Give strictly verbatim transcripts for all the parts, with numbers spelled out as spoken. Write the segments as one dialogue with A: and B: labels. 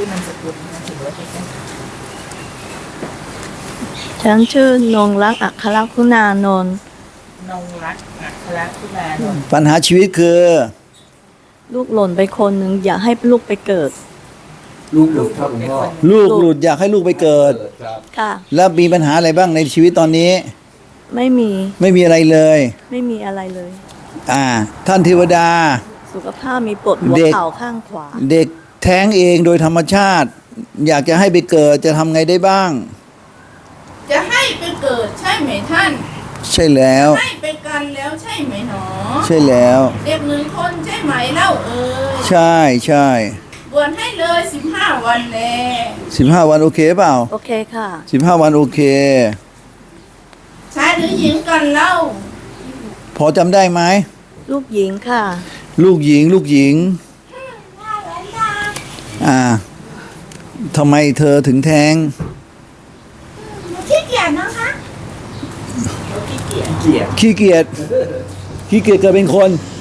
A: อนามสกุลนะถือว่าใช่ไหม
B: ฉันชื่อนงรักอัครคุณานนท์
A: นงรักอัครคุณานนท์
C: ปัญหาชีวิตคือ
B: ลูกหล่นไปคนหนึ่งอยากให้ลูกไปเกิด
D: ลูกหลุดครับหลวงพ่อ
C: ลูกหลุดอยากให้ลูกไปเกิด
D: ครับ
B: ค่ะ
C: แล้วมีปัญหาอะไรบ้างในชีวิตตอนนี้
B: ไม่มี
C: ไม่มีอะไรเลย
B: ไม่มีอะไรเลย
C: อ่า ท่านเทวดา
B: สุขภาพมีปวดหัว
C: เด็ก
B: เข่าข้างขวา
C: เด็กแท้งเองโดยธรรมชาติ อยากจะให้ไปเกิดจะทำไงได้บ้าง
A: จะให้ไปเกิดใช่ไหมท่าน
C: ใช่แล้ว
A: ให้ไปกันแล้วใช่ไหมหนอ
C: ใช่แล้ว
A: เด็กหนึ่งคนใช่ไหมเล่าเอ่ย
C: ใช่ใช่
A: บวชให้เลยสิบห้าวันแล
C: สิบห้าวันโอเคเปล่า
B: โอเคค่ะ
C: สิบห้าวันโอเค
A: ชายหรือหญิงกันเล่า
C: พอจำได้ไหม
B: ลูกหญิงค่ะ
C: ลูกหญิงลูกหญิง อ่าทำไมเธอถึงแท้ง
A: ขี้เกียจนะคะขี้เกียจ
D: เกียรติ
C: ขี้เกียจขี้เกียจเกิดเป็นคน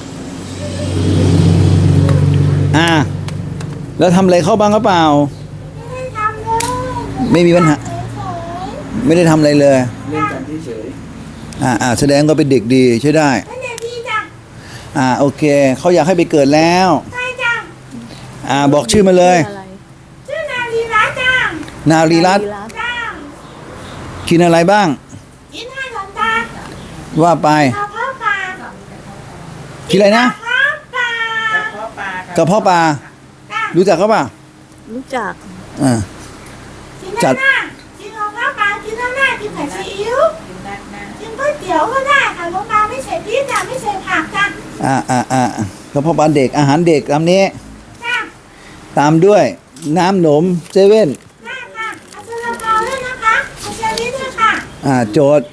C: อ่า แล้วทำอะไรเข้าบ้างหรือเปล่า
A: ไม่ได้ทำเลย
C: ไม่มีปัญหา ไม่ได้ทำอะไรเลย
D: เล่นกันเฉย
C: อ่าอ่าแสดงก็เป็นเด็กดีใช่ได้
A: ไม่ได้ดีจ้ะ
C: อ่าโอเค เขาอยากให้ไปเกิดแล้ว
A: ใช่จ้ะ
C: อ่าบอกชื่อมาเลย
B: อะไร
A: ชื่อนาลีรัตน์จ้ะ
C: นารีรัตน์
B: นารีรัตน์
A: จ้ะ
C: กินอะไรบ้าง
A: กินให้หลอนตา
C: ว่าไป
A: กระเพาะปลา
C: กินอะไรนะ
A: กระเพาะปลากระเพาะปลาก
C: ระเพาะปลา
A: จ้ะ
C: รู้จักเขาป่ะ
B: รู้จัก
C: อ่า
A: กิน
C: จั
A: ห
C: ด
A: น้ากินกระเพาะปลากินหน้าหน้ากินผัดซีอิ๊วกินก๋วยเตี๋ยวก็ได้ค่ะหลวงตาไม่ใส่พริกจ้ะไม่ใส่ผักจ้ะ
C: อ่าอ่าอ่ากระเพาะปลาเด็กอาหารเด็กตามนี้
A: จ้ะ
C: ตามด้วยน้ำหนมเซเว่น
A: ได้ค่ะเอาซาลาเปาด้วยนะคะเอาเชอรี่ด้วยค่ะ
C: อ่าโจทย์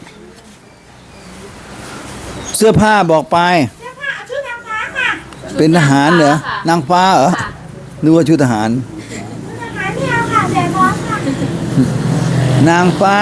C: เสื้อผ้าบอกไป
A: เสื้อผ้าเอาชุดนางฟ้าค่ะ
C: เป็นทหารเหรอ นางฟ้าเหรอนึกว่าชุดทหาร
A: ชุดทหารไม่เอาค่ะแดดร้อนค่ะ
C: นางฟ้า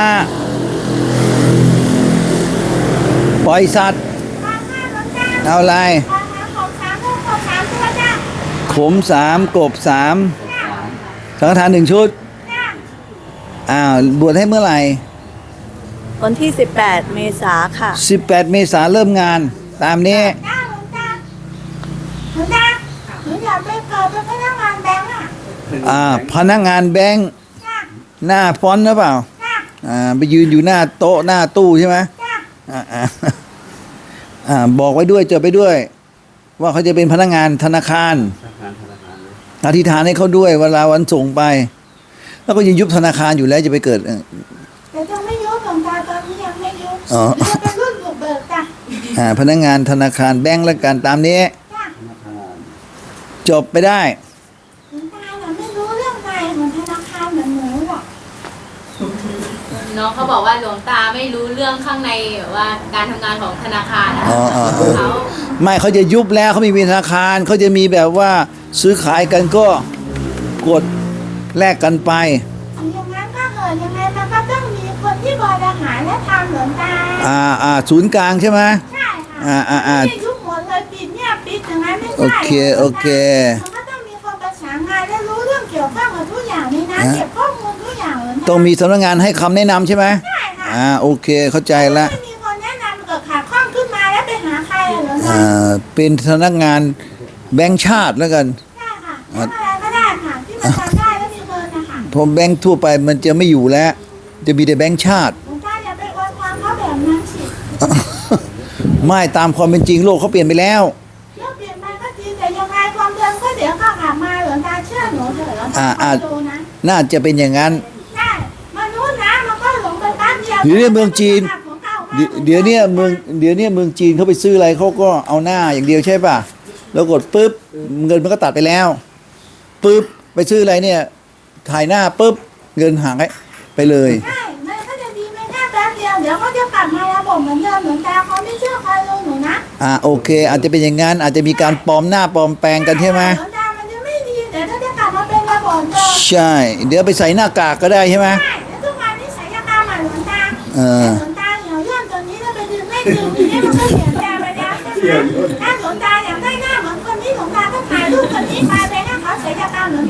C: ปล่อยสัตว์
A: ปลาค่ะหลวงตา
C: เอาอะไร
A: ปลาค่ะของสามตัวของสามตัวจ้ะ
C: ขมสามกบสาม
A: จ้ะ
C: สังฆทานหนึ่งชุด
A: จ้ะ
C: อ้าวบวชให้เมื่อไหร่
B: วันที่สิบแปดเมษาค่ะ
C: สิบแปดเมษาเริ่มงาน ตามนี้
A: จ้าหลวงตาหลวงตาหนูอยากไปเกิดเป็นพนักงานแบงก์อ่ะ
C: อ่าพนักงานแบงค์
A: จ้ะ
C: หน้าฟอนต์หรือเปล่า
A: จ้ะ
C: อ่าไปยืนอยู่หน้าโต๊ะหน้าตู้ใช่ไหม
A: จ้ะ
C: อ่าอ่าอ่าบอกไว้ด้วยจดไปด้วย ว่าเขาจะเป็นพนักงานธนาคาร
D: ๆธนาคารธนาคารเลย
C: อธิษฐานให้เขาด้วยเวลาวันส่งไป แล้วก็ยังยุบธนาคารอยู่แล้วจะไปเกิดเอ่อ
A: แต่ยังไม่ยุบหลวงตาตอนนี้ยังไม่ยุบ
C: อ๋อ
A: จะเป็นรุ่นบุกเบิกจ้ะ
C: อ่าพนักงานธนาคารแบงก์แล้วกันตามนี้
A: จ้ะ
D: ธนาคาร
C: จบไปได้
A: หลวงตาน่ะไม่รู้เรื่องในของธนาคารเหมือนหนูหรอก
E: น้องเขาบอกว่าหลวงตาไม่รู้เรื่องข้างในแบบว่าการทำงานของธนาคารนะ
C: อ๋ออ๋อ
E: เขา
C: ไม่เขาจะยุบแล้วเขาไม่มีธนาคารเขาจะมีแบบว่าซื้อขายกันก็กดแลกกันไป
A: อย่างนั้นก็เกิดยังไงมันก็ต้องมีคนที่บริหารและทำหลวงตา
C: อ่าอ่าศูนย์กลางใช่ไหม
A: ใช่ค่ะ
C: อ่าอ่าอ่า
A: ไม่ได้ยุบหมดเลยปิดเนี่ยปิดอย่างนั้นไม่
C: โอ
A: ใช่
C: เคโอเค
A: มันก็ต้องมีคนประสานงานและรู้เรื่องเกี่ยวข้องกับทุกอย่างในนั้น
C: ฮะ
A: เก็บข้อมูลทุกอย่างเลยนะ
C: ต้องมีสำนักงานให้คำแนะนำใช่ไหม
A: ใช่ค่ะ
C: อ่าโอเคเข้าใจละ
A: ไม่มีคนแนะนำเกิดขาดข้องขึ้นมาแล้วไปหาใครเหรอ
C: อ่าเป็นสำนักงานแบงค์ชาติแล้วกัน
A: ใช่ค่ะทำอะไรก็ได้ค่ะที่มันทำได้แล้วมีเงินนะคะ
C: เพราะแบงค์ทั่วไปมันจะไม่อยู่แล้ว จะมีแต่แบงค์ชาติ
A: หลวงตาอย่าไปอวยพรเขาแบบนั้นสิ
C: ไม่ตามความเป็นจริงโลกเขาเปลี่ยนไปแล้ว
A: เรื่องเปลี่ยนไปก็จริงแต่ยังไงความเดิมก็เดี๋ยวก็กลับมาหลวงตาเชื่อหนูเถอะหลวง
C: อ่า
A: ตา
C: อ่า
A: คอยดูนะ
C: น่าจะเป็นอย่างนั้น
A: ใช่มนุษย์นะมันก็หลงไปแป๊บเดียว
C: เดี๋ยวนี้เมืองจีน
A: ของเก่ามา
C: เดี๋ยวเดี๋ยวเนี้เมืองเดี๋ยวเนี้เมืองจีนเขาไปซื้ออะไรเขาก็เอาหน้าอย่างเดียวใช่ป่ะแล้วกดปุ๊บเงินมันก็ตัดไปแล้วปุ๊บไปซื้ออะไรเนี่ย ถ่ายหน้าปุ๊บเงินหายไปเลย
A: ใช่มันก็จะดีไม่แค่แป๊บเดียวเดี๋ยวก็จะกลับมาระบบเหมือนเดิมหลวงตาเขาไม่เชื่อใครเลยหนูนะ
C: อ่าโอเค อาจจะเป็นอย่างนั้นอาจจะมีการปลอมหน้าปลอมแปลงกันใช่ไหม
A: หลวงตามันจะไม่ดีเดี๋ยวถ้าจะกลับมาเป็นระบบเดิม
C: ใช่ เดี๋ยวไปใส่หน้ากากก็ได้ใช่ไหม
A: ใช่แล้วทุกวันนี้ศัลยกรรมอ่ะหลวงตา
C: เออ
A: แต่หลวงตาเหี่ยวย่นตัวนี้แล้วไปดึงไม่ดึงทีนี้มันก็เสียใจไปแล้วใช่ไหมถ้าหลวงตาอยากได้หน้าเหมือนคนนี้หลวงตาก็ถ่ายรูปคนนี้ไปไปให้เขาศัลยกรรมหลวงตาเขาท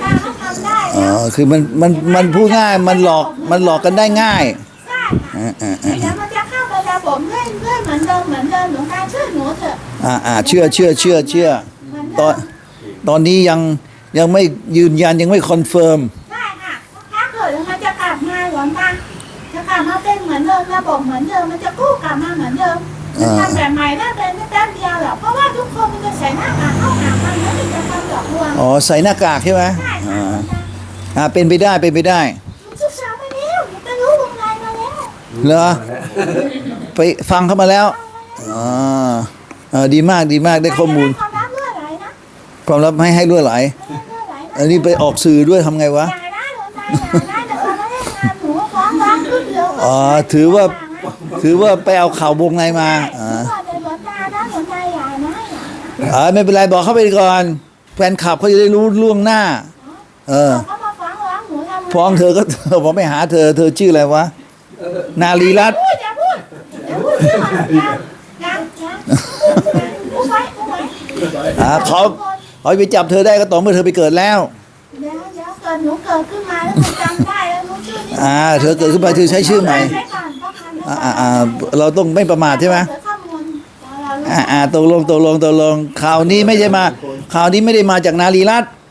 A: ำได้
C: อ๋
A: แล้ว
C: อคือมันมันมันพูดง่ายมันหลอกมันหลอกกันได้ง่าย
A: ใช่ค่ะ
C: อ่าอ่าอ่า
A: เดี๋ยวมันจะเข้าไประบบเรื่อยเรื่อยเหมือนเดิมเหมือนเดิมหลวงตาช่วยหนูเถอะ
C: อ่าอ่าเชื่อเชื่อเชื่อเชื่อ
A: เหมือน
C: ต
A: เดิ
C: อน
A: ม
C: ตอนนี้ยังยังไม่ยืนยันยังไม่คอนเฟิร์ม
A: ใช่ค่ะถ้าเกิดมันจะกลับมาหลวงตาจะกลับมาเป็นเหมือนเดิมระบบเหมือนเดิมมันจะกู้กลับมาเหมือนเดิมมันทำแบบใหม่ได้เป็นไม่แป๊บเดียวหรอกเพราะว่าทุกคนมันจะใส่หน้ากากเข้าหากันแล้วมันจะทำหลอกลวง
C: อ๋อใส่หน้ากากใช่ไหม
A: ใช่
C: อ่า
A: ค่ะ
C: อ่าเป็นไปได้เป็นไปได้
A: หนูศึกษามาแล้วหนูไปรู้วงในมาแล้ว
C: เหรอไปฟังเข้ามาแล้วอ๋อเออดีมากดีมากได้ข้อมูล
A: ความรักเมื่อไหร่นะ
C: ความลับไม่ให้รั่วไหล
A: ไม่เมื่อไหร่นะ
C: อันนี้ไปออกสื่อด้วยทำไงวะ
A: อย่าได้หลวงตาอย่าได้แต่เราไม่ได้งานหนูฟ้องร้องขึ้นเดียว
C: อ๋อถือว่า ถือว่าไปเอาข่าววงในมาอ่า
A: ถือว่าเป็นหลวงตานะหลวงตาอย่านะอย่า
C: อ่าไม่เป็นไรบอกเข้าไปก่อนแฟนคลับเขาจะได้รู้ล่วงหน้า เออ
A: เขามาฟ้องร้องหนูทำไม
C: ฟ้องเธอก็เธอบอกไม่หาเธอ เธอชื่ออะไรวะ นารีรัตน์
A: พูดอย่าพูดอย่าพูดชื่อมันยังยังยังพูดไว้พูดไว้
C: อ่าเขาเขาไปจับเธอได้ก็ต่อเมื่อเธอไปเกิดแล้ว
A: เดี๋ยวเดี๋ยวเกิดหนูเกิดขึ้นมาแล้วหนูจำได้แล้วหนูชื่อนี้
C: อ่าเธอเกิดขึ้นมาเธอใช้ชื่อใหม่
A: ไว้ก่อนเพราะคัน
C: อ่าอ่าอ่าเราต้องไม่ประมาทใช่ไหม
A: เดี๋ยวข้อมูลเรารู้
C: อ่าอ่าตกลงตกลงตกลงข่าวนี้ไม่ใช่มาข่าวนี้ไม่ได้มาจากนารีรัตน์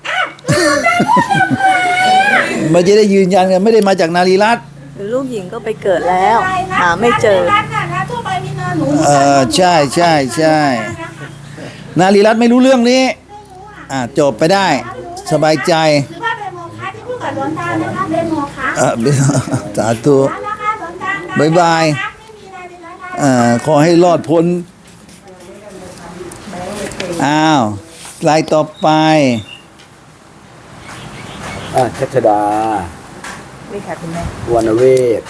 C: มันจะได้ยืนยันกันไม่ได้มาจากนารีรัตน์
B: ลูกหญิงก็ไปเกิดแล้ว หาไม่เจอ
A: ร้านน่ะนะทั่วไปมีเนินหนู
C: เออใช่ใช่ใช่ นารีรัตน์ไม่รู้เรื่องนี้
A: ไม่รู้อ่ะ
C: อ่าจบไปได้ สบายใจ
A: หรือว่าเป็นโมฆะที่พูดกับหลวงตานะคะเป็นโมฆะ
C: เออสาธุ
A: นะคะหลวงตานะ
C: บ๊ายบาย
A: ไม่มีอะไรเลยนะคะ
C: อ่าขอให้รอดพ้นอ้าวลายต่อไป
D: อ่ะชัชดา
B: นี่ค่ะคุณแม่
D: วรรณเวศ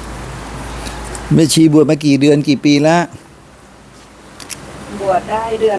C: แม่ชีบวชมากี่เดือนกี่ปีแล้ว
B: บวชได้เดือน